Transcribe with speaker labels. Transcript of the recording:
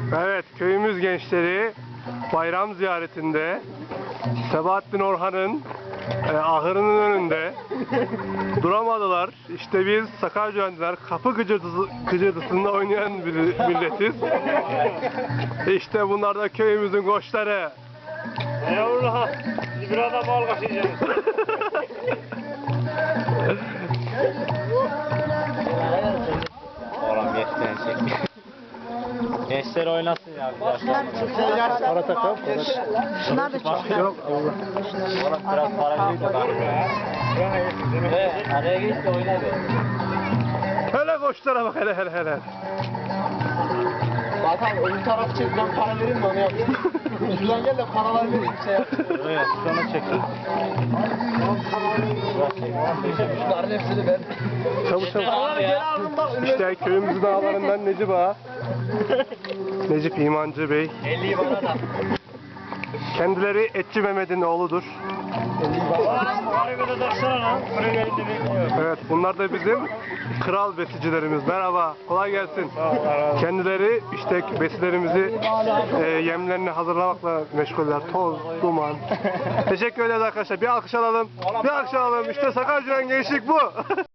Speaker 1: Evet, köyümüz gençleri bayram ziyaretinde Sebahattin Orhan'ın ahırının önünde duramadılar. İşte biz Sakarcıöndiler kapı gıcırtısında oynayan bir milletiz. İşte bunlar da köyümüzün koçları.
Speaker 2: Eyvallah. Biz biraz da bal kaşıyacağız.
Speaker 3: Oğlum gençler çek. Gençler oynasın ya.
Speaker 1: Para takalım.
Speaker 4: Şunlar da çok.
Speaker 1: Yok Allah.
Speaker 3: Oğlum biraz para verin de bak. Araya geç de oyna be.
Speaker 1: Hele koçlara bak hele.
Speaker 5: Zaten öbür taraf çek, ben para vereyim de onu yapayım. Şuradan gel de paralar vereyim, şey yap.
Speaker 3: Evet, sonra çekin.
Speaker 5: Şunların hepsini ver.
Speaker 1: Çabuk.
Speaker 3: Abi ya.
Speaker 1: İşte köyümüzün ağalarından Necip Ağa. Necip İmancı Bey.
Speaker 3: 50'yi bana da.
Speaker 1: Kendileri Etçi Mehmet'in oğludur.
Speaker 2: Harika da taksana lan. Buraya gelin de bekliyor.
Speaker 1: Evet, bunlar da bizim kral besicilerimiz. Merhaba, kolay gelsin. Kendileri işte besilerimizi yemlerini hazırlamakla meşguller. Toz, duman. Teşekkür ederiz arkadaşlar. Bir alkış alalım. Bir alkış alalım. İşte Sakarcıön gençlik bu.